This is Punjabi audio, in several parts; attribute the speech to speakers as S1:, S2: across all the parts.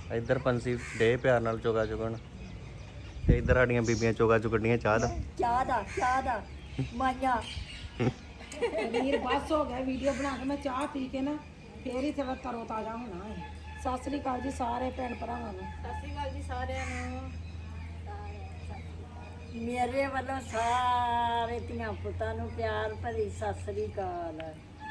S1: ਇੱਧਰ ਪੰਸੀ ਡੇ ਪਿਆਰ ਨਾਲ ਚੋਗਾ ਚੁਗਣ ਤੇ ਇੱਧਰ ਸਾਡੀਆਂ ਬੀਬੀਆਂ ਚੋਗਾ ਚੁਗਣੀਆਂ ਚਾਹ
S2: ਦਾ ਮਾਇਆ
S3: ਵੀਰ ਬਸ ਹੋ ਗਿਆ ਵੀਡੀਓ ਬਣਾ ਕੇ ਮੈਂ ਚਾਹ ਪੀ ਕੇ ਨਾ ਫੇਰ ਹੀ ਥੋੜਾ ਤਰੋ ਤਾਜ਼ਾ ਹੋਣਾ ਹੈ। ਸਤਿ ਸ੍ਰੀ ਅਕਾਲ ਜੀ ਸਾਰੇ ਭੈਣ ਭਰਾਵਾਂ ਨੂੰ।
S4: ਸਤਿ ਸ਼੍ਰੀ ਅਕਾਲ ਜੀ ਸਾਰਿਆਂ ਨੂੰ।
S2: ਮੇਰੇ ਵੱਲੋਂ ਸਾਰੇ ਧੀਆਂ ਪੁੱਤਾਂ ਨੂੰ ਪਿਆਰ ਭਰੀ ਸਤਿ ਸ੍ਰੀ ਅਕਾਲ।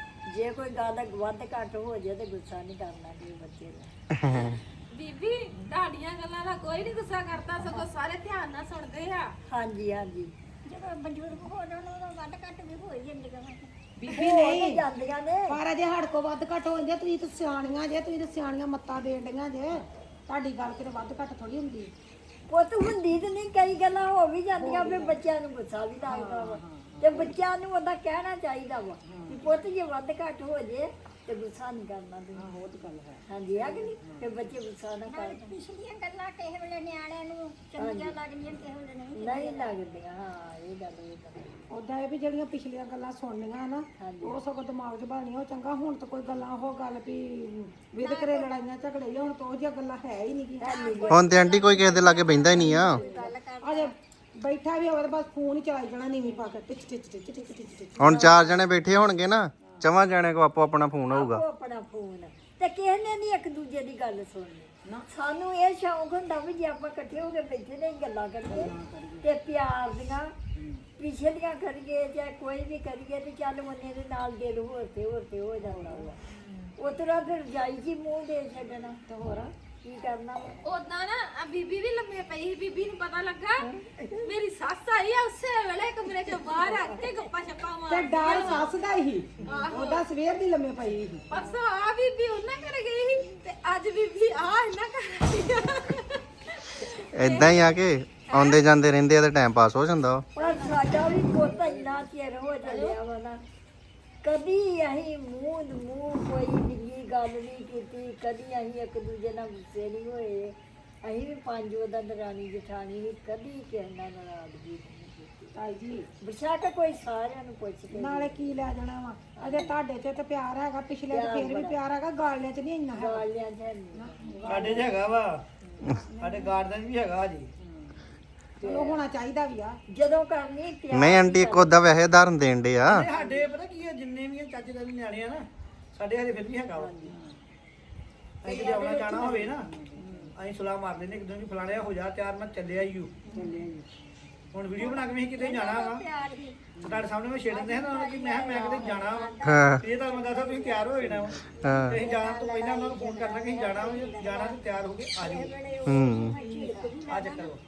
S2: ਜੇ ਕੋਈ ਗੱਲ ਵੱਧ ਘੱਟ ਹੋ ਜਾਏ ਤੇ ਗੁੱਸਾ ਨਹੀਂ ਕਰਨਾ ਜੀ ਬੱਚੇ ਦਾ।
S4: ਬੀਬੀ ਤੁਹਾਡੀਆਂ ਗੱਲਾਂ ਦਾ ਕੋਈ ਨਹੀਂ ਗੁੱਸਾ ਕਰਦਾ, ਸਗੋਂ ਸਾਰੇ ਧਿਆਨ ਨਾਲ ਸੁਣਦੇ ਆ।
S2: ਹਾਂਜੀ ਹਾਂਜੀ
S5: ਜਦੋਂ ਬਜ਼ੁਰਗ ਹੋ ਜਾਣ ਉਦੋਂ ਵੱਧ ਘੱਟ ਵੀ ਹੋ ਹੀ ਜਾਂਦੀਆਂ ਵਾ।
S3: ਬੀਬੀ ਨਹੀਂ
S2: ਜਾਂਦੀਆਂ ਨੇ
S3: ਪਰ ਅਜੇ ਹੜ ਕੋ ਵੱਧ ਘੱਟ ਹੋ ਜਾਂਦੇ। ਤੁਸੀਂ ਤਾਂ ਸਿਆਣੀਆਂ ਜੇ, ਤੁਸੀਂ ਤਾਂ ਸਿਆਣੀਆਂ ਮੱਤਾਂ ਦੇਣ ਡੀਆਂ ਜੇ। ਤੁਹਾਡੀ ਗੱਲ ਕਿਤੇ ਵੱਧ ਘੱਟ ਥੋੜੀ ਹੁੰਦੀ।
S2: ਪੁੱਤ ਹੁੰਦੀ ਤੇ ਨਹੀਂ, ਕਈ ਗੱਲਾਂ ਹੋ ਵੀ ਜਾਂਦੀਆਂ ਫਿਰ ਬੱਚਿਆਂ ਨੂੰ ਗੁੱਸਾ ਵੀ ਲੱਗਦਾ ਵਾ ਤੇ ਬੱਚਿਆਂ ਨੂੰ ਉਹਦਾ ਕਹਿਣਾ ਚਾਹੀਦਾ ਵਾ ਕਿ ਪੁੱਤ ਜੇ ਵੱਧ ਘੱਟ ਹੋ ਜੇ ਤੇ ਗੁੱਸਾ ਨਹੀਂ ਕਰਨਾ ਤੁਸੀਂ।
S3: ਬਹੁਤ ਗੱਲ ਹੈ।
S2: ਹਾਂਜੀ ਆ ਕਿ ਨਹੀਂ ਫਿਰ ਬੱਚੇ ਗੁੱਸਾ ਨਾ ਕਰਨ।
S5: ਪਿਛਲੀਆਂ ਗੱਲਾਂ ਕਿਸੇ ਵੇਲੇ ਨਿਆਣਿਆਂ ਨੂੰ ਚੰਗੀਆਂ ਲੱਗਦੀਆਂ ਕਿਸੇ ਵੇਲੇ ਨਹੀਂ।
S2: ਨਹੀਂ ਲੱਗਦੀਆਂ। ਹਾਂ ਇਹ ਗੱਲ
S3: ਉਦਾਂ ਇਹ ਵੀ ਜਿਹੜੀਆਂ ਪਿਛਲੀਆਂ ਗੱਲਾਂ ਸੁਣਨੀਆਂ ਨਾ ਉਹ ਸਗੋਂ ਦਿਮਾਗ 'ਚ ਬਣੀਆਂ ਉਹ ਚੰਗਾ। ਹੁਣ ਤਾਂ ਕੋਈ ਗੱਲਾਂ ਉਹ ਗੱਲ ਵੀ ਵਿਦਕਰੇ ਲੜਾਈਆਂ ਝਗੜੇ ਹੀ ਹੁਣ ਤਾਂ ਉਹ ਜਿਹੀਆਂ ਗੱਲਾਂ ਹੈ ਹੀ ਨਹੀਂ ਗੀਆਂ।
S1: ਹੁਣ ਤੇ ਆਂਟੀ ਕੋਈ ਕਿਸੇ ਦੇ ਲਾਗੇ ਬਹਿੰਦਾ ਹੀ ਨਹੀਂ ਆ।
S3: ਅਜੇ ਬੈਠਾ ਵੀ ਹੋਵੇ ਤਾਂ ਬਸ ਫੋਨ ਹੀ ਚਲਾਈ ਜਾਣਾ ਨੀਵੀਂ ਪਾ ਕੇ ਟਿਚ ਟਿਚ ਟਿਚ ਟਿਚ ਟਿਚ ਟਿਚ।
S1: ਹੁਣ 4 ਜਣੇ ਬੈਠੇ ਹੋਣਗੇ ਨਾ, 4 ਜਣੇ ਕੋ ਆਪੋ ਆਪਣਾ ਫੋਨ ਹੋਊਗਾ।
S2: ਆਪਣਾ ਫੋਨ ਤੇ ਕਿਸੇ ਨੇ ਨਹੀਂ ਇੱਕ ਦੂਜੇ ਦੀ ਗੱਲ ਸੁਣਨੀ। ਸਾਨੂੰ ਇਹ ਸ਼ੌਂਕ ਹੁੰਦਾ ਵੀ ਜੇ ਆਪਾਂ ਇਕੱਠੇ ਹੋ ਕੇ ਬੈਠੇ ਨੇ ਗੱਲਾਂ ਕਰੀਏ ਤੇ ਪਿਆਰ ਦੀਆਂ ਪਿਛਲੀਆਂ ਕਰੀਏ ਜਾਂ ਕੋਈ ਵੀ ਕਰੀਏ ਤੇ ਚੱਲ ਉਹਨੇ ਦੇ ਨਾਲ ਦਿਲ ਹੋਰ ਤੇ ਹੋ ਜਾਂਦਾ ਵਾ। ਉਤਰਾ ਫਿਰ ਜਾਈ ਜੀ ਮੂੰਹ ਦੇ ਛੱਡਣਾ ਤੇ ਹੋਰ ਕੀ ਕਰਨਾ।
S4: ਉਦਾਂ ਨਾ ਆ ਬੀਬੀ ਵੀ ਲੰਮੇ ਪਈ ਸੀ। ਬੀਬੀ ਨੂੰ ਪਤਾ ਲੱਗਾ ਮੇਰੀ ਸੱਸ ਆਈ ਆ, ਉਸੇ ਵੇਲੇ ਕਮਰੇ ਚੋਂ ਬਾਹਰ ਆ ਕੇ ਗੱਪਾਂ ਛੱਪਾਂ
S3: ਤੇ
S4: ਮਾਰ
S3: ਡਰ ਸੱਸ ਦਾ ਹੀ ਉਹਦਾ ਸਵੇਰ ਦੀ ਲੰਮੇ ਪਈ ਸੀ।
S4: ਪਰਸੋਂ ਆ ਬੀਬੀ ਉਹਨਾਂ ਘਰ ਗਈ ਸੀ ਤੇ ਅੱਜ ਬੀਬੀ ਆ ਇਹਨਾਂ ਘਰ ਆਈ ਆ।
S1: ਇਦਾਂ ਹੀ ਆ ਕੇ ਆਉਂਦੇ ਜਾਂਦੇ ਰਹਿੰਦੇ ਆ ਤੇ ਟਾਈਮ ਪਾਸ ਹੋ ਜਾਂਦਾ ਵਾ।
S2: ਪਰ ਸਾਡਾ ਵੀ ਪੁੱਤ ਇੰਨਾ ਚਿਰ ਹੋ ਚੱਲਿਆ ਵਾ ਨਾ, ਕਦੀ ਅਸੀਂ ਮੂੰਹ ਕੋਈ ਨਿੱਜੀ ਗੱਲ ਨਹੀਂ ਕੀਤੀ, ਕਦੀ ਅਸੀਂ ਇੱਕ ਦੂਜੇ ਨਾਲ ਗੁੱਸੇ ਨਹੀਂ ਹੋਏ। ਅਸੀਂ ਵੀ 5 ਉਹਦਾ ਦਰਾਣੀ ਜਠਾਣੀ ਵੀ ਕਦੀ ਕਿਸੇ ਨਾਲ ਨਾਰਾਜ਼ਗੀ ਨਹੀਂ ਕੀਤੀ।
S3: ਤਾਈ ਜੀ
S2: ਬਸ਼ੱਕ ਕੋਈ ਸਾਰਿਆਂ ਨੂੰ ਪੁੱਛ ਕੇ
S3: ਨਾਲੇ ਕੀ ਲੈ ਜਾਣਾ ਵਾ। ਅਜੇ ਤੁਹਾਡੇ 'ਚ ਤੇ ਪਿਆਰ ਹੈਗਾ, ਪਿਛਲੇ 'ਚ ਫੇਰ ਵੀ ਪਿਆਰ ਹੈਗਾ, ਗਾਲਿਆਂ 'ਚ ਨਹੀਂ ਇੰਨਾ ਹੈਗਾ।
S2: ਗਾਲਿਆਂ ਚ ਨਹੀਂ।
S6: ਸਾਡੇ 'ਚ ਹੈਗਾ ਵਾ, ਸਾਡੇ ਗਾਰਡਨ ਵੀ ਹੈਗਾ ਜੀ।
S3: ਚਲੋ ਹੋਣਾ ਚਾਹੀਦਾ ਵੀ ਆ।
S2: ਜਦੋਂ ਕਰਨੀ ਪਿਆਰ
S1: ਨਹੀਂ ਆਂਟੀ ਇੱਕ ਉਦਾਂ ਵੈਸੇ ਉਦਾਹਰਨ ਦੇਣ ਡੇ ਆ।
S6: ਇਹ ਸਾਡੇ ਪਤਾ ਕੀ ਆ, ਜਿੰਨੇ ਵੀ ਆ ਚਾਚੇ ਦੇ ਨਿਆਣੇ ਆ ਨਾ ਸਾਡੇ ਹਜੇ ਫਿਰ ਵੀ ਹੈਗਾ ਵਾ। ਅਸੀਂ ਕਿਤੇ ਆਉਣਾ ਜਾਣਾ ਹੋਵੇ ਨਾ ਅਸੀਂ ਸਲਾਹ ਮਾਰ ਲੈਂਦੇ ਇੱਕ ਦੂਜੇ ਨੂੰ, ਫਲਾਣਿਆ ਹੋ ਜਾ ਤਿਆਰ, ਮੈਂ ਚੱਲਿਆ ਈ ਓ। ਹੁਣ ਵੀਡੀਓ ਬਣਾ ਕੇ ਵੀ ਅਸੀਂ ਕਿਤੇ ਜਾਣਾ ਵਾ ਤੁਹਾਡੇ ਸਾਹਮਣੇ ਮੈਂ ਛੇੜ ਦਿੰਦੇ ਹਾਂ ਨਾ ਕਿ ਮੈਂ ਕਿਤੇ ਜਾਣਾ ਵਾ।
S1: ਹਾਂ
S6: ਇਹ ਤਾਂ ਮੈਂ ਦੱਸਦਾ ਤੁਸੀਂ ਤਿਆਰ ਹੋ ਜਾਣਾ ਵਾ।
S1: ਹਾਂ
S6: ਤੇ ਅਸੀਂ ਜਾਣ ਤੋਂ ਪਹਿਲਾਂ ਉਹਨਾਂ ਨੂੰ ਫੋਨ ਕਰਨਾ ਕਿ ਅਸੀਂ ਜਾਣਾ ਵਾ, ਜੇ ਜਾਣਾ ਤੇ ਤਿਆਰ ਹੋ ਕੇ ਆ ਜਾਓ। ਆ ਚੱਕਰ ਵਾ।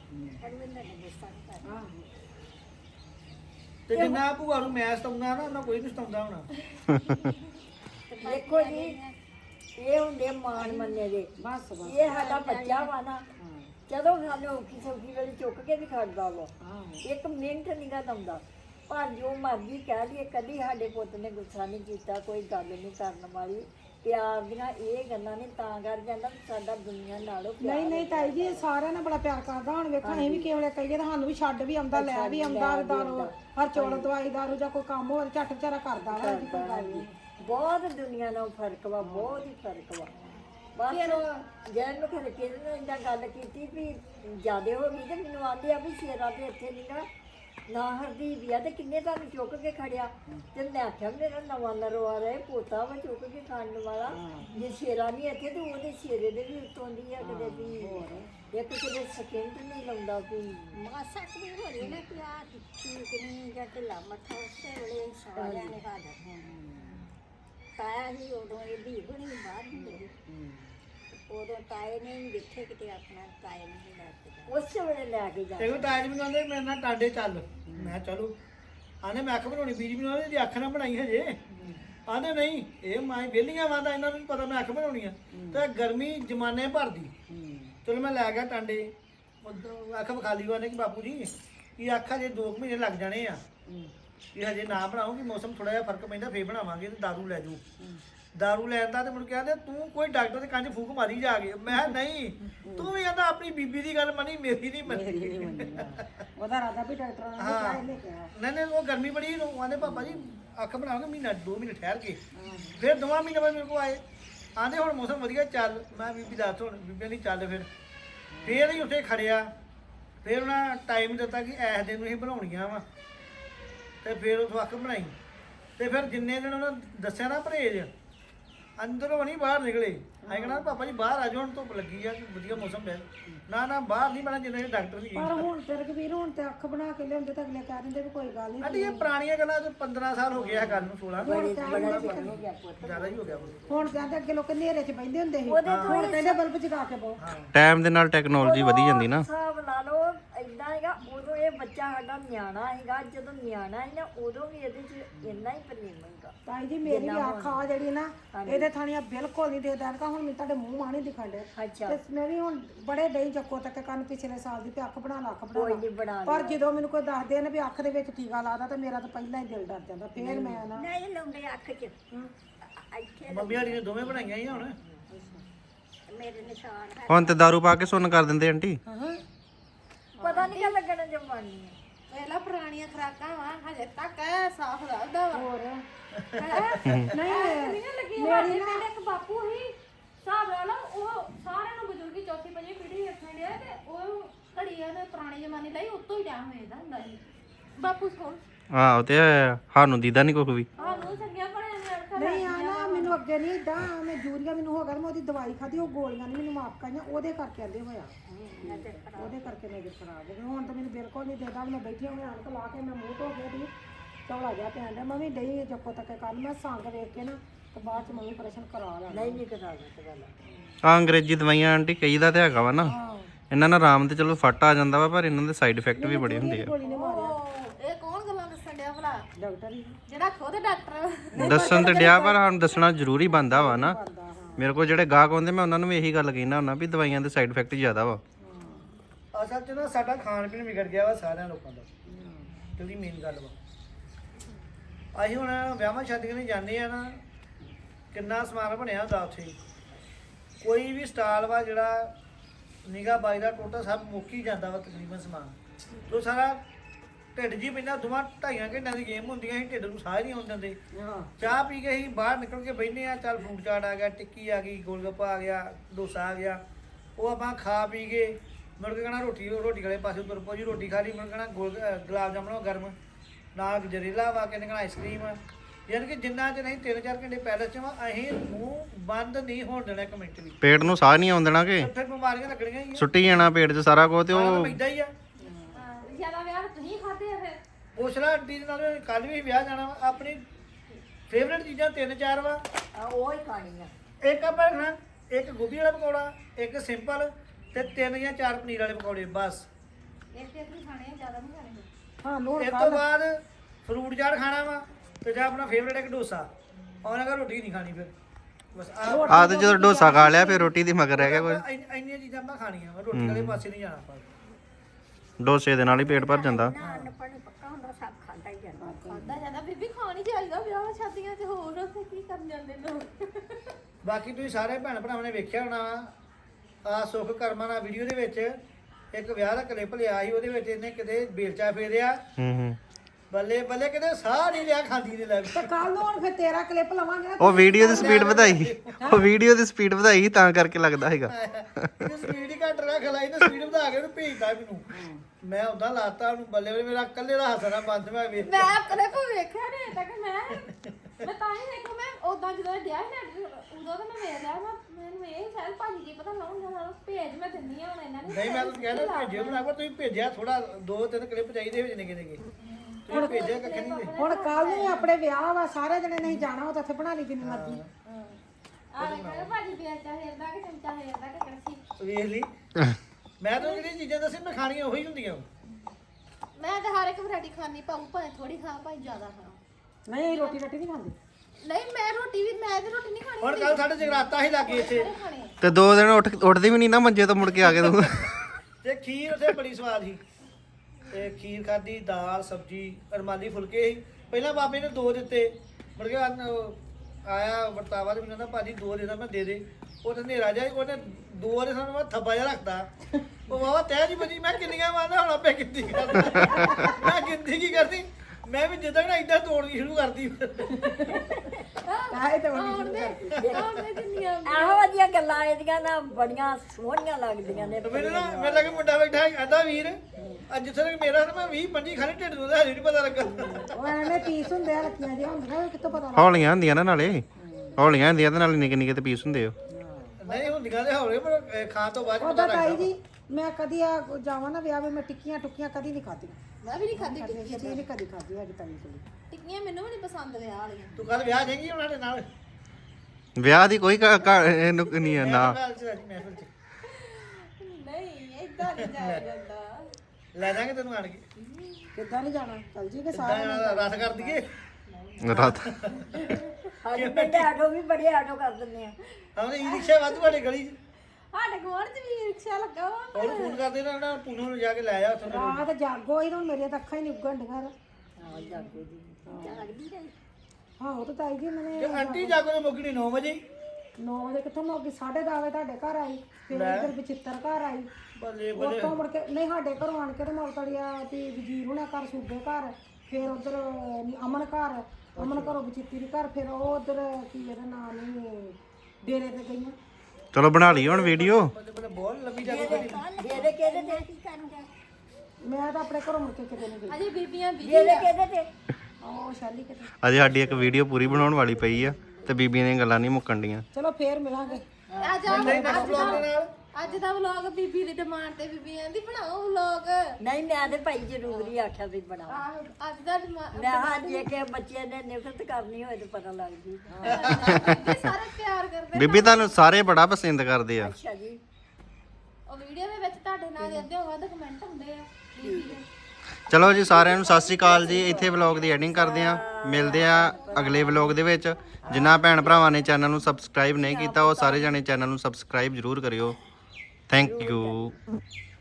S6: ਤੇ ਜਿੰਨਾ ਭੂਆ ਨੂੰ ਮੈਂ ਸਤਾਉਂਦਾ ਨਾ ਉਹਨਾਂ ਕੋਈ ਨਹੀਂ ਸਤਾਉਂਦਾ ਹੋਣਾ।
S2: ਦੇਖੋ ਜੀ ਇਹ ਹੁੰਦੇ ਮਾਣ ਮੰਨੇ ਦੇ।
S3: ਬਸ ਬਸ
S2: ਇਹ ਸਾਡਾ ਬੱਚਾ ਵਾ ਨਾ, ਜਦੋਂ ਸਾਨੂੰ ਔਖੀ ਸੌਖੀ ਵੇਲੇ ਚੁੱਕ ਕੇ ਵੀ ਖੜਦਾ ਵਾ, ਇੱਕ ਮਿੰਟ ਨਹੀਂ ਗਾ ਦਉਂਦਾ। ਪਰ ਜੋ ਮਰਜ਼ੀ ਕਹਿ ਲਈਏ ਕਦੀ ਸਾਡੇ ਪੁੱਤ ਨੇ ਗੁੱਸਾ ਨਹੀਂ ਕੀਤਾ, ਕੋਈ ਗੱਲ ਨਹੀਂ ਕਰਨ ਵਾਲੀ। ਪਿਆਰ ਦੀਆਂ ਇਹ ਗੱਲਾਂ ਨੇ ਤਾਂ ਕਰ ਜਾਂਦਾ ਵੀ ਸਾਡਾ ਦੁਨੀਆ ਨਾਲੋਂ ਪਿਆਰ
S3: ਨਹੀਂ ਨਹੀਂ ਤਾਈ ਜੀ ਸਾਰਿਆਂ ਨਾਲ ਬੜਾ ਪਿਆਰ ਕਰਦਾ। ਹੁਣ ਵੇਖੋ ਅਸੀਂ ਵੀ ਕਿਵੇਂ ਕਹੀਏ ਤਾਂ ਸਾਨੂੰ ਵੀ ਛੱਡ ਵੀ ਆਉਂਦਾ, ਲੈ ਵੀ ਆਉਂਦਾ ਦਾਰੂ ਹਰ ਚੋਲ ਦਵਾਈ ਦਾਰੂ ਜਾਂ ਕੋਈ ਕੰਮ ਹੋਰ ਝੱਟ ਵਿਚਾਰਾ ਕਰਦਾ ਵਾ। ਇਹਦੀ ਕੋਈ ਗੱਲ ਨਹੀਂ।
S2: ਬਹੁਤ ਦੁਨੀਆ ਨਾਲ ਫਰਕ ਵਾ, ਬਹੁਤ ਹੀ ਫਰਕ ਵਾ। ਬਸ ਜੈਨ ਨੂੰ ਖਰੇ ਕਿਹਨੇ ਨੇ ਇੰਦਾ ਗੱਲ ਕੀਤੀ ਵੀ ਜ਼ਿਆਦੇ ਹੋ ਗਈ ਤੇ ਮੈਨੂੰ ਆਂਦੇ ਆ ਵੀ ਸ਼ੇਰਾ ਤੇ ਇੱਥੇ ਨਹੀਂਗਾ ਨਾ ਹਰਦੀਪ ਆ ਤੇ ਕਿੰਨੇ ਤੁਹਾਨੂੰ ਚੁੱਕ ਕੇ ਖੜਿਆ। ਤੇ ਮੈਂ ਆਖਿਆ ਮੇਰਾ ਨਵਾਂ ਨਰਵਾ ਰਿਹਾ ਪੋਤਾ ਵਾ ਚੁੱਕ ਕੇ ਖਾਣ ਵਾਲਾ। ਜੇ ਸ਼ੇਰਾ ਨਹੀਂ ਇੱਥੇ ਤੇ ਉਹਦੇ ਸ਼ੇਰੇ ਦੇ ਵੀ ਉੱਤੋਂ ਦੀ ਆ ਕਿਤੇ ਵੀ ਇੱਕ ਕਿਤੇ ਸਕਿੰਟ ਨਹੀਂ ਲਾਉਂਦਾ ਵੀ
S5: ਮਾਸਾ ਕੀ ਹੋ ਰਹੀ ਨਾ ਕਿ ਆ ਠੀਕ ਨਹੀਂ ਜਾਂ ਢਿੱਲਾ ਮੱਠਾ ਉਸੇ ਵੇਲੇ ਸਾਰਿਆਂ ਨੇ ਹਾਜ਼ਰ ਤਾਇਆ ਹੀ ਉਦੋਂ ਇਹਦੀ ਹੁਣੀ ਬਾਹਰ ਹੁੰਦੇ ਸੀ। ਉਦੋਂ ਤਾਏ ਨੇ ਵੀ ਜਿੱਥੇ ਕਿਤੇ ਆਖਣਾ ਤਾਏ ਨੇ ਹੀ ਲੈ ਕੇ ਜਾਣਾ।
S2: ਉਸੇ ਵੇਲੇ ਲੈ ਕੇ ਜਾ।
S6: ਦੇਖੋ ਤਾਜ ਮੈਨੂੰ ਕਹਿੰਦੇ ਮੇਰੇ ਨਾਲ ਟਾਂਡੇ ਚੱਲ। ਮੈਂ ਚਲੋ ਆਨੇ ਮੈਂ ਅੱਖ ਬਣਾਉਣੀ ਬੀਜ ਬਣਾਉਣੀ ਦੀ ਅੱਖ ਨਾ ਬਣਾਈ ਹਜੇ। ਆਂਦੇ ਨਹੀਂ ਇਹ ਮਾਈ ਵਿਹਲੀਆਂ ਵਾਂਦਾ ਇਹਨਾਂ ਨੂੰ ਪਤਾ ਮੈਂ ਅੱਖ ਬਣਾਉਣੀ ਆ ਤੇ ਗਰਮੀ ਜਮਾਨੇ ਭਰਦੀ। ਚਲੋ ਮੈਂ ਲੈ ਗਿਆ ਟਾਂਡੇ ਅੱਖ ਵਿਖਾ ਲਈ ਉਹਨੇ ਕਿ ਬਾਪੂ ਜੀ ਇਹ ਅੱਖ ਹਜੇ 2 ਮਹੀਨੇ ਲੱਗ ਜਾਣੇ ਆ, ਇਹ ਹਜੇ ਨਾ ਬਣਾਉਂਗੀ ਮੌਸਮ ਥੋੜਾ ਜਿਹਾ ਫਰਕ ਪੈਂਦਾ ਫੇਰ ਬਣਾਵਾਂਗੇ ਤੇ ਦਾਰੂ ਲੈ ਜਾਓ। ਦਾਰੂ ਲੈਣ ਦਾ ਤੇ ਮੈਨੂੰ ਕਹਿੰਦੇ ਤੂੰ ਕੋਈ ਡਾਕਟਰ ਦੇ ਕੰਨ 'ਚ ਫੂਕ ਮਾਰੀ ਜਾ ਕੇ। ਮੈਂ ਨਹੀਂ ਤੂੰ ਵੀ ਕਹਿੰਦਾ ਆਪਣੀ ਬੀਬੀ ਦੀ ਗੱਲ ਮੰਨੀ ਮੇਰੀ ਨਹੀਂ ਮੰਨੀ।
S3: ਉਹਦਾ ਰਾਦਾ ਵੀ ਡਾਕਟਰਾਂ ਨੇ ਕਿਹਾ ਇਹਨੇ ਕਿਹਾ।
S6: ਨਹੀਂ ਉਹ ਗਰਮੀ ਬੜੀ ਉਹ ਆਂਦੇ ਪਾਪਾ ਜੀ ਅੱਖ ਬਣਾਓਗੇ ਮਹੀਨਾ 2 ਮਹੀਨੇ ਠਹਿਰ ਕੇ ਫਿਰ 2 ਮਹੀਨੇ ਬਾਅਦ ਮੇਰੇ ਕੋਲ ਆਏ। ਆਂਦੇ ਹੁਣ ਮੌਸਮ ਵਧੀਆ ਚੱਲ। ਮੈਂ ਬੀਬੀ ਦੱਸ ਹੁਣ ਬੀਬੀ ਨਹੀਂ ਚੱਲ ਫਿਰ ਹੀ ਉੱਥੇ ਖੜਿਆ। ਫਿਰ ਉਹਨਾਂ ਟਾਈਮ ਦਿੱਤਾ ਕਿ ਇਸ ਦਿਨ ਨੂੰ ਅਸੀਂ ਬਣਾਉਣੀਆਂ ਵਾ ਤੇ ਫਿਰ ਉਹ ਵਕਤ ਬਣਾਈ ਤੇ ਫਿਰ ਜਿੰਨੇ ਦਿਨ ਉਹਨਾਂ ਦੱਸਿਆ ਨਾ ਪਰਹੇਜ ਅੰਦਰੋਂ ਨਹੀਂ ਬਾਹਰ ਨਿਕਲੇ। ਅਸੀਂ ਕਹਿਣਾ ਪਾਪਾ ਜੀ ਬਾਹਰ ਆ ਜਾਓ ਹੁਣ ਧੁੱਪ ਲੱਗੀ ਆ ਵਧੀਆ ਮੌਸਮ ਹੈ। ਨਾ ਬਾਹਰ ਨਹੀਂ ਬਣਾ ਜਿੰਨੇ ਡਾਕਟਰ ਨਹੀਂ
S3: ਪਰ ਹੁਣ ਤੇ ਰਘਵੀਰ ਹੁਣ ਤੇ ਅੱਖ ਬਣਾ ਕੇ ਲਿਆਉਂਦੇ ਤਾਂ ਅਗਲੇ ਕਹਿ ਦਿੰਦੇ ਵੀ ਕੋਈ ਗੱਲ ਨਹੀਂ।
S6: ਆਂਟੀ ਇਹ ਪੁਰਾਣੀਆਂ ਗੱਲਾਂ ਚ 15 ਸਾਲ ਹੋ ਗਏ ਆ ਗੱਲ ਨੂੰ 16
S2: ਬੜਾ ਚਿਰ ਹੋ ਗਿਆ ਪੁੱਤ।
S6: ਜ਼ਿਆਦਾ ਹੀ ਹੋ ਗਿਆ
S3: ਹੁਣ ਕਹਿੰਦੇ ਅੱਗੇ ਲੋਕ ਹਨੇਰੇ 'ਚ ਬਹਿੰਦੇ ਹੁੰਦੇ ਸੀ ਹੁਣ ਕਹਿੰਦੇ ਬਲਬ ਜਗਾ ਕੇ ਬਹੁ।
S1: ਟਾਈਮ ਦੇ ਨਾਲ ਟੈਕਨੋਲੋਜੀ ਵਧੀ ਜਾਂਦੀ ਨਾ।
S2: ਹਿਸਾਬ ਲਾ ਲਓ ਇਦਾਂ ਹੈਗਾ ਉਦੋਂ ਇਹ ਬੱਚਾ ਸਾਡਾ ਨਿਆਣਾ ਹੈਗਾ ਜਦੋਂ ਨਿਆਣਾ ਸੀ ਨਾ ਉਦੋਂ ਵੀ ਇਹਦੇ 'ਚ ਇੰਨਾ ਹੀ ਪ੍ਰੇਮ ਹੈਗਾ।
S3: ਤਾਈ ਜੀ ਮੇਰੀ ਵੀ ਅੱਖ ਆ ਜਿਹੜੀ ਨਾ ਇਹਦੇ ਥਾਣੀਆਂ ਬਿਲਕੁਲ ਨਹੀਂ ਦੇਖਦਾ ਕਿ ਹੁਣ ਮੈਨੂੰ ਤੁਹਾਡੇ ਮੂੰਹ ਮਾਂ ਨਹੀਂ ਦਿਖਣ ਡੇ।
S2: ਅੱਛਾ
S3: ਤੇ ਮੈਂ ਵੀ ਹੁਣ ਬੜੇ ਡਈ ਚੱਕੋ ਤੱਕ ਕੰਨ ਪਿਛਲੇ ਸਾਲ ਦੀ ਤੇ ਅੱਖ ਬਣਾ ਲਾ ਅੱਖ ਬਣਾ
S2: ਕੋਈ
S3: ਲਾ।
S2: ਨਹੀਂ ਬਣਾ
S3: ਪਰ ਜਦੋਂ ਮੈਨੂੰ ਕੋਈ ਦੱਸਦੇ ਨੇ ਵੀ ਅੱਖ ਦੇ ਵਿੱਚ ਟੀਕਾ ਲਾਦਾ ਤਾਂ ਮੇਰਾ ਤਾਂ ਪਹਿਲਾਂ ਹੀ ਦਿਲ ਡਰ ਜਾਂਦਾ। ਫੇਰ ਮੈਂ ਨਾ
S5: ਨਹੀਂ ਲਾਉਂਦੇ ਅੱਖ 'ਚ ਇੱਥੇ
S6: ਮੰਮੀ ਵਾਲੀ ਨੇ ਦੋਵੇਂ ਬਣਾਈਆਂ ਹੀ ਹੁਣ
S5: ਮੇਰੇ ਨਿਸ਼ਾਨ ਹੈ।
S1: ਹੁਣ ਤੇ ਦਾਰੂ ਪਾ ਕੇ ਸੁੰਨ ਕਰ ਦਿੰਦੇ ਆਂਟੀ।
S2: ਪਤਾ ਨਹੀਂ ਕਿਆ ਲੱਗਣਾ ਜਮਾਨੀ ਹੈ।
S4: ਪਹਿਲਾਂ ਪੁਰਾਣੀਆਂ ਖਰਾਕਾਂ ਵਾ ਹਜੇ ਤੱਕ ਸਾਫ਼ ਲੱਗਦਾ ਵਾ
S3: ਹੋਰ
S4: ਨਹੀਂ ਲੱਗੀ ਸਾਡੇ ਪਿੰਡ ਇੱਕ ਬਾਪੂ ਸੀ ਹਿਸਾਬ ਲਾ ਲਓ ਉਹ ਸਾਰਿਆਂ ਨੂੰ ਬਜ਼ੁਰਗੀ ਚੌਥੀ ਪੰਜਵੀਂ ਪੀੜ੍ਹੀ ਰੱਖਣ ਡਿਆ ਤੇ ਉਹ ਘੜੀਆਂ ਨੇ ਪੁਰਾਣੇ ਜ਼ਮਾਨੇ ਲਈ ਉੱਤੋਂ ਹੀ ਟਾਈਮ ਹੋਏਦਾ ਹੁੰਦਾ ਸੀ ਬਾਪੂ ਸੋਣ
S1: ਆਹੋ ਤੇ ਸਾਨੂੰ ਦੀਦਾ ਨਹੀਂ ਕੁਛ ਵੀ।
S4: ਸਾਨੂੰ ਚੰਗਿਆ ਭਲਿਆਂ ਨੇ ਅੜਕਾ
S3: ਨਹੀਂ ਆ ਨਾ ਮੈਨੂੰ ਅੱਗੇ ਨਹੀਂ ਇਦਾਂ ਮੈਂ ਯੂਰੀਆ ਮੈਨੂੰ ਹੋ ਗਿਆ ਮੈਂ ਉਹਦੀ ਦਵਾਈ ਖਾਧੀ ਉਹ ਗੋਲੀਆਂ ਨੇ ਮੈਨੂੰ ਮਾਫ ਕਰਾਈਆਂ ਉਹਦੇ ਕਰਕੇ ਆਂਦੇ ਹੋਇਆ ਉਹਦੇ ਕਰਕੇ ਨਜ਼ਰ ਖਰਾਬ ਹੋ ਗਈ। ਹੁਣ ਤਾਂ ਮੈਨੂੰ ਬਿਲਕੁਲ ਨਹੀਂ ਦੇਦਾ ਮੈਂ ਬੈਠੀ ਹੋਈ ਅਣਕ ਲਾ ਕੇ ਮੈਂ ਮੂੰਹ ਧੋ ਕੇ ਦੀ ਚੌੜਾ ਜਿਹਾ ਪੈਣ ਡਿਆ ਮੈਂ ਵੀ ਡਈ ਜੱਪੋ ਤੱਕ ਕੱਲ ਮੈਂ ਸੰਗ ਵੇਖ ਕੇ ਨਾ ਤੇ ਬਾਅਦ ਚ ਮੈਂ ਵੀ ਆਪਰੇਸ਼ਨ ਕਰਾ ਲੈਣਾ।
S2: ਨਹੀਂ ਕਰਾ ਦਿੱਤਾ ਗੱਲ
S1: ਆ ਅੰਗਰੇਜ਼ੀ ਦਵਾਈਆਂ ਆਂਟੀ ਕਈ ਦਾ ਤੇ ਹੈਗਾ ਵਾ ਨਾ। ਇਹਨਾਂ ਨਾਲ ਆਰਾਮ ਤੇ ਚਲੋ ਫੱਟ ਆ ਜਾਂਦਾ ਵਾ ਪਰ ਇਹਨਾਂ ਦੇ ਸਾਈਡ ਇਫੈਕਟ ਵੀ ਬੜੇ ਹੁੰਦੇ ਆ।
S3: ਗੋਲੀ ਨੇ ਮਾਰਿਆ
S4: ਇਹ ਕੌਣ ਗੱਲਾਂ ਦੱਸਣ ਡਿਆ ਭਲਾ
S3: ਡਾਕਟਰ ਹੀ
S4: ਜਿਹੜਾ ਖੁਦ ਡਾਕਟਰ
S1: ਦੱਸਣ ਤੇ ਡਿਆ ਪਰ ਸਾਨੂੰ ਦੱਸਣਾ ਜ਼ਰੂਰੀ ਬੰਦਾ ਵਾ ਨਾ। ਮੇਰੇ ਕੋਲ ਜਿਹੜੇ ਗਾਹਕ ਆਉਂਦੇ ਮੈਂ ਉਹਨਾਂ ਨੂੰ ਵੀ ਇਹੀ ਗੱਲ ਕਹਿਣਾ ਹੁੰਦਾ ਵੀ ਦਵਾਈਆਂ ਦੇ ਸਾਈਡ ਇਫੈਕਟ ਜ਼ਿਆਦਾ ਵਾ।
S6: ਅਸਲ 'ਚ ਨਾ ਸਾਡਾ ਖਾਣ ਪੀਣ ਵਿਗੜ ਗਿਆ ਵਾ ਸਾਰਿਆਂ ਲੋਕਾਂ ਦਾ ਜਿਹੜੀ ਮੇਨ ਗੱਲ ਵਾ। ਅਸੀਂ ਹੁਣ ਵਿਆਹਾਂ ਸ਼ਾਦੀਆਂ ਨਹੀਂ ਜਾਂਦੇ ਆ ਨਾ ਕਿੰਨਾ ਸਮਾਨ ਬਣਿਆ ਹੁੰਦਾ ਉੱਥੇ ਕੋਈ ਵੀ ਸਟਾਲ ਵਾ ਜਿਹੜਾ ਨਿਗਾਹ ਬਾਈ ਦਾ ਟੋਟਲ ਸਭ ਮੁੱਕ ਹੀ ਜਾਂਦਾ ਵਾ ਤਕਰੀਬਨ ਸਮਾਨ ਤੋਂ ਸਾਰਾ ਢਿੱਡ ਜੀ ਪੈਂਦਾ ਦੋਵਾਂ 2.5 ਘੰਟਿਆਂ ਦੀ ਗੇਮ ਹੁੰਦੀਆਂ ਸੀ ਢਿੱਡ ਨੂੰ ਸਾਹ ਹੀ ਨਹੀਂ ਆਉਣ ਦਿੰਦੇ। ਚਾਹ ਪੀ ਕੇ ਅਸੀਂ ਬਾਹਰ ਨਿਕਲ ਕੇ ਬਹਿੰਦੇ ਆ ਚੱਲ ਫਰੂਟ ਚਾਟ ਆ ਗਿਆ ਟਿੱਕੀ ਆ ਗਈ ਗੋਲ ਗੱਪਾ ਆ ਗਿਆ ਡੋਸਾ ਆ ਗਿਆ ਉਹ ਆਪਾਂ ਖਾ ਪੀ ਕੇ ਮੁੜ ਕੇ ਕਹਿਣਾ ਰੋਟੀ ਵਾਲੇ ਪਾਸੇ ਤੁਰ ਪਓ ਜੀ ਰੋਟੀ ਖਾ ਲਈ ਮੁੜ ਕੇ ਕਹਿਣਾ ਗੁਲਾਬ ਜਾਮਣ ਗਰਮ ਨਾਲ ਗਜਰੇਲਾ ਵਾ ਕੇ ਕਹਿਣਾ ਆਈਸਕ੍ਰੀਮ ਯਾਨੀ ਕਿ ਜਿੰਨਾ ਚ ਨਹੀਂ 3-4 ਘੰਟੇ ਪੈਲਸ ਚ ਵਾ ਅਸੀਂ ਮੂੰਹ ਬੰਦ ਨਹੀਂ ਹੋਣ ਦੇਣਾ ਇੱਕ ਮਿੰਟ ਵੀ।
S1: ਪੇਟ ਨੂੰ ਸਾਹ ਨਹੀਂ ਆਉਣ ਦੇਣਾ ਕਿ
S6: ਫਿਰ ਬਿਮਾਰੀਆਂ ਲੱਗਣੀਆਂ ਹੀ ਆ
S1: ਸੁੱਟੀ ਜਾਣਾ ਪੇਟ 'ਚ ਸਾਰਾ ਕੁਝ ਤੇ ਉਹ
S6: ਪੈਂਦਾ ਹੀ ਆ।
S4: ਜਿਆਦਾ ਵਿਆਹ ਤੁਸੀਂ ਖਾਦੇ ਆ ਫਿਰ
S6: ਉਸਲਾ ਆਂਟੀ ਦੇ ਨਾਲ ਕੱਲ ਵੀ ਵਿਆਹ ਜਾਣਾ ਵਾ ਆਪਣੀ ਫੇਵਰੇਟ ਚੀਜ਼ਾਂ 3-4 ਵਾ
S2: ਉਹ ਹੀ ਖਾਣੀ ਆ।
S6: ਇੱਕ ਆਪਾਂ ਖਾਣਾ ਇੱਕ ਗੋਭੀ ਵਾਲਾ ਪਕੌੜਾ ਇੱਕ ਸਿੰਪਲ ਤੇ 3 ਜਾਂ 4 ਪਨੀਰ ਵਾਲੇ ਪਕੌੜੇ ਬਸ।
S4: ਇੱਕ ਵੀ ਖਾਣੇ ਜ਼ਿਆਦਾ ਨਹੀਂ ਖਾਣੇ
S3: ਹਾਂ ਲੋੜ
S6: ਇਸ ਤੋਂ ਬਾਅਦ ਫਰੂਟ ਚਾਟ ਖਾਣਾ ਵਾ ਤੇ ਜਾਂ ਆਪਣਾ ਫੇਵਰੇਟ ਇੱਕ ਡੋਸਾ ਉਹਨਾਂ ਦਾ ਰੋਟੀ ਨਹੀਂ ਖਾਣੀ ਫਿਰ ਬਸ
S1: ਆ ਤੇ ਜਦੋਂ ਡੋਸਾ ਖਾ ਲਿਆ ਫਿਰ ਰੋਟੀ ਦੀ ਮਗਰ ਰਹਿ ਗਿਆ ਕੋਈ।
S6: ਇੰਨੀਆਂ ਚੀਜ਼ਾਂ ਆਪਾਂ ਖਾਣੀਆਂ ਵਾ ਰੋਟੀ ਵਾਲੇ ਪਾਸੇ ਨਹੀਂ ਜਾਣਾ ਆਪਾਂ।
S1: ਡੋਸੇ ਦੇ ਨਾਲ ਹੀ ਪੇਟ ਭਰ ਜਾਂਦਾ।
S5: ਪਾਣੀ ਪੱਕਾ ਹੁੰਦਾ ਸਭ ਖਾਂਦਾ ਹੀ ਜਾਂਦਾ।
S4: ਖਾਦਾ ਜਾਂਦਾ ਬੀਬੀ ਖਾਣੀ ਚਾਹੀਦਾ ਵਿਆਹ ਸ਼ਾਦੀਆਂ 'ਚ ਹੋਰ ਉੱਥੇ ਕੀ ਕਰਨ ਜਾਂਦੇ ਲੋਕ।
S6: ਬਾਕੀ ਤੁਸੀਂ ਸਾਰੇ ਭੈਣ ਭਰਾਵਾਂ ਨੇ ਵੇਖਿਆ ਹੋਣਾ ਆ ਸੁੱਖ ਕਰਮਾਂ ਨਾਲ ਵੀਡੀਓ ਦੇ ਵਿੱਚ ਇੱਕ ਵਿਆਹ ਦਾ ਕਲਿੱਪ ਲਿਆ ਸੀ ਉਹਦੇ ਵਿੱਚ ਇਹਨੇ ਕਿਤੇ ਬੇਲਚਾ ਫੇਰਿਆ
S1: ਹੂੰ
S6: ਬੱਲੇ ਬੱਲੇ ਕਿਤੇ ਸਾਹ ਨਹੀਂ ਲਿਆ ਖਾਂਦੀ ਨੇ ਲੱਗ
S3: ਤੇ ਕੱਲ ਨੂੰ ਹੁਣ ਫਿਰ ਤੇਰਾ ਕਲਿੱਪ ਲਵਾਂਗੇ ਨਾ।
S1: ਉਹ ਵੀਡੀਓ ਦੀ ਸਪੀਡ ਵਧਾਈ ਉਹ ਵੀਡੀਓ ਦੀ ਸਪੀਡ ਵਧਾਈ ਤਾਂ ਕਰਕੇ ਲੱਗਦਾ ਹੈਗਾ।
S6: ਇਹ ਸਪੀਡ ਹੀ ਘੱਟ ਰੱਖ ਲਾਈ ਤੇ ਸਪੀਡ ਵਧਾ ਕੇ ਉਹਨੂੰ ਭੇਜਦਾ ਮੈਨੂੰ ਮੈਂ ਉਦਾਂ ਲਾਤਾ ਉਹਨੂੰ ਬੱਲੇ ਬੱਲੇ ਮੇਰਾ ਇਕੱਲੇ ਦਾ ਹੱਸਣਾ ਬੰਦ ਮੈਂ ਵੇਖ
S4: ਮੈਂ ਆਪਣੇ ਕੋ ਵੇਖਿਆ ਨਹੀਂ ਤੱਕ ਮੈਂ ਤਾਂ ਹੀ ਦੇਖੋ ਮੈਂ ਉਦਾਂ ਜਦੋਂ ਡਿਆ ਸੀ ਨਾ ਉਦੋਂ ਤਾਂ ਮੈਂ ਵੇਖ ਲਿਆ ਮੈਨੂੰ ਇਹ ਸ਼ਾਇਦ ਭਾਜੀ ਕੀ ਪਤਾ ਲਾਉਣ ਭੇਜ ਮੈਂ ਦਿੰਦੀ ਆ ਹੁਣ ਇਹਨਾਂ ਨੂੰ
S6: ਨਹੀਂ ਮੈਂ ਤਾਂ ਕਹਿੰਦਾ ਭੇਜਿਓ ਬਣਾ ਕੇ ਤੁਸੀਂ ਭੇਜਿਆ ਥੋੜਾ 2-3 ਕਲਿੱਪ ਚਾਹੀਦੇ ਵਿੱਚ ਨਿੱਕੇ ਨਿੱਕੇ ਤੁਸੀਂ ਭੇਜਿਆ ਕੱਖ ਨਹੀਂ ਦੇ
S3: ਹੁਣ ਕੱਲ ਨੂੰ ਆਪਣੇ ਵਿਆਹ ਵਾ ਸਾਰੇ ਜਣੇ ਨਹੀਂ ਜਾਣਾ ਉਹ ਤਾਂ ਇੱਥੇ ਬਣਾ ਲਈ ਜਿੰਨੀ ਮਰਜ਼ੀ।
S4: ਆ ਲੈ ਭਾਜੀ ਬੇਚਾ ਹੇਰਦਾ ਕਿ ਚਮਚਾ ਹੇਰਦਾ ਕਿ ਕੜਛੀ
S6: ਵੇਖ ਲਈ ਮੈਂ ਤਾਂ ਜਿਹੜੀਆਂ ਚੀਜ਼ਾਂ ਦੱਸੀ ਮੈਂ ਖਾਣੀਆਂ ਉਹੀ ਹੁੰਦੀਆਂ
S4: ਮੈਂ ਤਾਂ ਹਰ ਇੱਕ ਵੈਰਾਈਟੀ ਖਾਣੀ ਪਾਉ ਭਾਵੇਂ ਥੋੜੀ ਖਾ ਭਾਵੇਂ ਜ਼ਿਆਦਾ ਖਾ
S3: ਨਹੀਂ ਰੋਟੀ ਨਹੀਂ ਖਾਂਦੀ।
S4: ਨਹੀਂ ਮੈਂ ਰੋਟੀ ਨਹੀਂ ਖਾਣੀ
S6: ਹੁਣ ਕੱਲ ਸਾਡੇ ਜਗਰਾਤਾ ਹੀ ਲੱਗੇ ਇੱਥੇ
S4: ਖਾਣੇ
S1: ਤੇ 2 ਦਿਨ ਉੱਠਦੀ ਵੀ ਨਹੀਂ ਨਾ ਮੰਜੇ ਤੋਂ ਮੁੜ ਕੇ ਆ ਕੇ ਤੂੰ।
S6: ਤੇ ਖੀਰ ਉੱਥੇ ਬੜੀ ਸਵਾਦ ਸੀ ਤੇ ਖੀਰ ਖਾਦੀ ਦਾਲ ਸਬਜੀ ਅਰਮਾਨੀ ਫੁਲਕੇ ਸੀ ਪਹਿਲਾਂ ਬਾਬੇ ਨੇ 2 ਦਿੱਤੇ ਮੁੜ ਕੇ ਆਇਆ ਵਰਤਾਵਾ ਤੇ ਮੈਨੂੰ ਕਹਿੰਦਾ ਭਾਜੀ 2 ਦੇਦਾ ਮੈਂ ਦੇ ਦੇ ਉਹ ਤੇ ਹਨੇਰਾ ਜਾਈ ਉਹਨੇ 2 ਵਾਲੇ ਸਾਨੂੰ ਮੈਂ ਥੱਬਾ ਜਿਹਾ ਰੱਖਦਾ ਉਹ ਬਾਬਾ ਤੈਅ ਜੀ ਬਜੀ ਮੈਂ ਕਿੰਨੀਆਂ ਮਾਰਦਾ ਹੁਣ ਆਪੇ ਗਿਣਤੀ ਕਰਦਾ ਮੈਂ ਗਿਣਤੀ ਕੀ ਕਰਦੀ ਮੈਂ ਵੀ ਜਿੱਦਾਂ ਨਾ ਇੱਦਾਂ ਤੋੜਨੀ ਸ਼ੁਰੂ ਕਰਦੀ
S3: ਕਾਹੇ ਤੇ ਵੰਡੀ ਸ਼ੁਰੂ ਕਰਤੀ
S4: ਆਉਣੇ ਕਿੰਨੀਆਂ
S2: ਇਹੋ ਜਿਹੀਆਂ ਗੱਲਾਂ ਇਹਦੀਆਂ ਨਾ ਬੜੀਆਂ ਸੋਹਣੀਆਂ ਲੱਗਦੀਆਂ ਨੇ
S6: ਤੇ ਮੈਨੂੰ ਨਾ ਮੇਰੇ ਲੱਗੇ ਮੁੰਡਾ ਬੈਠਾ ਕਹਿੰਦਾ ਵੀਰ ਅੱਜ ਜਿੱਥੇ ਤੱਕ ਮੇਰਾ ਨਾ ਮੈਂ 20 25 ਖਾਣੇ ਢਿੱਡ ਨੂੰ ਤਾਂ ਹਜੇ ਨਹੀਂ ਪਤਾ ਲੱਗਾ
S3: ਉਹ ਐਵੇਂ ਪੀਸ ਹੁੰਦੇ ਆ ਰੱਖੀਆਂ ਜਿਹੀਆਂ ਹੁੰਦੀਆਂ ਉਹ ਕਿੱਥੋਂ ਪਤਾ ਲੱਗ
S1: ਹੌਲੀਆਂ ਹੁੰਦੀਆਂ ਨਾ ਨਾਲੇ ਹੌਲੀਆਂ ਹੁੰਦੀਆਂ ਤੇ ਨਾਲੇ ਨਿੱਕੇ ਨਿੱਕੇ ਤੇ ਪੀਸ ਹੁੰਦੇ ਹੋ
S6: ਨਹੀਂ ਹੁੰਦੀਆਂ ਤੇ ਹੌਲੇ ਪਰ ਖਾਣ ਤੋਂ ਬਾਅਦ 'ਚ
S3: ਉਹਦਾ
S6: ਪਤਾ
S3: ਤਾਈ
S6: ਲੱਗਦਾ
S3: ਜੀ ਮੈਂ ਕਦੀ ਆ ਜਾਵਾਂ ਨਾ ਵਿਆਹ ਵਿੱਚ ਮੈਂ ਟਿੱਕੀਆਂ ਟੁੱਕੀਆਂ ਕਦੀ ਨਹੀਂ ਖਾਧੀਆਂ
S4: ਮੈਂ ਵੀ ਨਹੀਂ ਖਾਧੀ
S3: ਇਹ ਚੀਜ਼ ਨਹੀਂ ਕਦੀ ਖਾਧੀ ਹੈਗੀ ਤਾਈ ਕੋਲ
S4: ਟਿੱਕੀਆਂ ਮੈਨੂੰ ਵੀ ਨਹੀਂ ਪਸੰਦ ਵਿਆਹ ਵਾਲੀਆਂ
S6: ਤੂੰ ਕੱਲ ਵਿਆਹ ਜਾਏਂਗੀ ਉਹਨਾਂ ਦੇ ਨਾਲ
S1: ਵਿਆਹ ਦੀ ਕੋਈ ਇਹਨੂੰ ਨਹੀਂ ਆ ਨਾ
S6: ਮਹਿਫਲ 'ਚ ਰਾਜੀ ਮਹਿਫਲ 'ਚ
S4: ਨਹੀਂ ਏਦਾਂ ਨਹੀਂ ਜਾਇਆ ਜਾਂਦਾ
S6: ਲੈ ਜਾਾਂਗੇ ਤੈਨੂੰ ਆਣ ਕੇ
S3: ਕਿੱਦਾਂ ਨਹੀਂ ਜਾਣਾ ਚੱਲ ਜੀ ਕਿ
S6: ਕਿੱਦਾਂ ਰਸ ਕਰ ਦਈਏ
S1: ਰਾਤ
S2: ਸਾਡੇ ਪਿੰਡ ਆਟੋ ਵੀ ਬੜੇ ਆਟੋ ਕਰ ਦਿੰਦੇ ਆ
S6: ਆਉਂਦੇ ਈ ਰਿਕਸ਼ਾ ਵਾਧੂ ਤੁਹਾਡੇ ਗਲੀ 'ਚ
S4: ਸਾਡੇ ਗਵਾਂਢ 'ਚ ਵੀ ਰਿਕਸ਼ਾ ਲੱਗਾ ਵਾ
S6: ਉਹਨੂੰ ਫੋਨ ਕਰਦੇ ਨਾ ਉਹਨਾਂ ਪੂਨੋ ਨੂੰ ਜਾ ਕੇ ਲੈ ਆ ਉੱਥੋਂ
S3: ਰਾਤ ਜਾਗੋ ਹੀ ਹੁਣ ਮੇਰੀਆਂ ਤਾਂ ਅੱਖਾਂ ਹੀ ਨਹੀਂ ਉੱਗਣ ਡੀਆਂ ਆਹੋ ਤਾਂ ਤਾਈ ਜੀ
S6: ਤੇ
S3: ਮੈਨੇ
S6: ਆਂਟੀ ਜਾਗੋ ਦੇ ਮੁੱਕਣੀ 9 ਵਜੇ
S3: 9 ਵਜੇ ਕਿੱਥੋਂ ਮੋਗੀ 10:30 ਵਜੇ ਤੁਹਾਡੇ ਘਰ ਆਈ ਫਿਰ ਇੱਧਰ ਬਚਿੱਤਰ ਘਰ ਆਈ
S6: ਬੱਲੇ
S3: ਉੱਥੋਂ ਮੁੜ ਕੇ ਨਹੀਂ ਸਾਡੇ ਘਰੋਂ ਆਣ ਕੇ ਤੇ ਮੁੜ ਤੜਿਆ ਤੇ ਵਜ਼ੀਰ ਹੁਣਾ ਘਰ ਸੂਬੇ ਘਰ ਫਿਰ ਉਧਰ ਅਮਨ ਘਰ ਅਮਨ ਘਰੋਂ ਬਚਿੱਤੀ ਦੀ ਘਰ ਫਿਰ ਉਹ ਉਧਰ ਕੀ ਇਹਦਾ ਨਾਮ ਨਹੀਂ ਡੇਰੇ ਤੇ ਗਈਆਂ
S1: ਚਲੋ ਬਣਾ ਲਈ ਹੁਣ ਵੀਡੀਓ
S6: ਬੱਲੇ ਬਹੁਤ ਲੰਬੀ ਜਾਗੋ ਕਰੀ
S2: ਜਿਹੜੇ ਕਿਹਦੇ ਤੇ
S5: ਕੀ ਕਰਨਗੇ
S3: ਮੈਂ ਤਾਂ ਆਪਣੇ ਘਰੋਂ ਮੁੜ ਕੇ ਕਿਤੇ ਨਹੀਂ ਗਈ
S4: ਅਜੇ ਬੀਬੀਆਂ ਵੀ
S2: ਜਿਹੜੇ ਕਿਹਦੇ ਤੇ
S3: ਉਹ ਸ਼ਾਲੀ ਕਿਤੇ
S1: ਅਜੇ ਸਾਡੀ ਇੱਕ ਵੀਡੀਓ ਪੂਰੀ ਬਣਾਉਣ ਵਾਲੀ ਪਈ ਆ ਤੇ ਬੀਬੀਆਂ ਦੀਆਂ ਗੱਲਾਂ ਨਹੀਂ ਮੁੱਕਣ ਡੀਆਂ
S3: ਚਲੋ ਫੇਰ ਮਿਲਾਂਗੇ
S4: ਅੱਜ ਦਾ ਵਲੌਗ ਬੀਬੀ ਦੀ ਡਿਮਾਂਡ ਤੇ ਬੀਬੀ ਕਹਿੰਦੀ ਬਣਾਓ ਵਲੌਗ
S2: ਨਹੀਂ ਮੈਂ ਤੇ ਭਾਈ ਜ਼ਰੂਰੀ ਆਖਿਆ ਵੀ ਬਣਾਓ
S4: ਅੱਜ ਦਾ demand-
S2: ਮੈਂ ਹਾਂ ਜੇ ਕਿ ਬੱਚੇ ਨੇ ਨਿਫਰਤ ਕਰਨੀ ਹੋਏ ਤਾਂ ਪਤਾ ਲੱਗ ਜੂ
S4: ਬੀਬੀ ਸਾਰੇ ਪਿਆਰ ਕਰਦੇ
S1: ਬੀਬੀ ਤੁਹਾਨੂੰ ਸਾਰੇ ਬੜਾ ਪਸੰਦ ਕਰਦੇ ਆ
S2: ਅੱਛਾ ਜੀ
S4: ਉਹ ਵੀਡੀਓ ਦੇ ਵਿੱਚ ਤੁਹਾਡੇ ਨਾਲ ਅੱਧੇ ਹੋ ਵੱਧ ਕਮੈਂਟ ਹੁੰਦੇ ਆ ਬੀਬੀ ਦੇ
S1: ਚਲੋ ਜੀ ਸਾਰਿਆਂ ਨੂੰ ਸਤਿ ਸ੍ਰੀ ਅਕਾਲ ਜੀ ਇੱਥੇ ਵਲੌਗ ਦੀ ਐਡਿੰਗ ਕਰਦੇ ਆ ਮਿਲਦੇ ਆ ਅਗਲੇ ਵਲੌਗ ਦੇ ਵਿੱਚ ਜਿਨ੍ਹਾਂ ਭੈਣ ਭਰਾਵਾਂ ਨੇ ਚੈਨਲ ਨੂੰ ਸਬਸਕ੍ਰਾਈਬ ਨਹੀਂ ਕੀਤਾ ਉਹ ਸਾਰੇ ਜਣੇ ਚੈਨਲ ਨੂੰ ਸਬਸਕ੍ਰਾਈਬ ਜ਼ਰੂਰ ਕਰਿਓ ਥੈਂਕ ਯੂ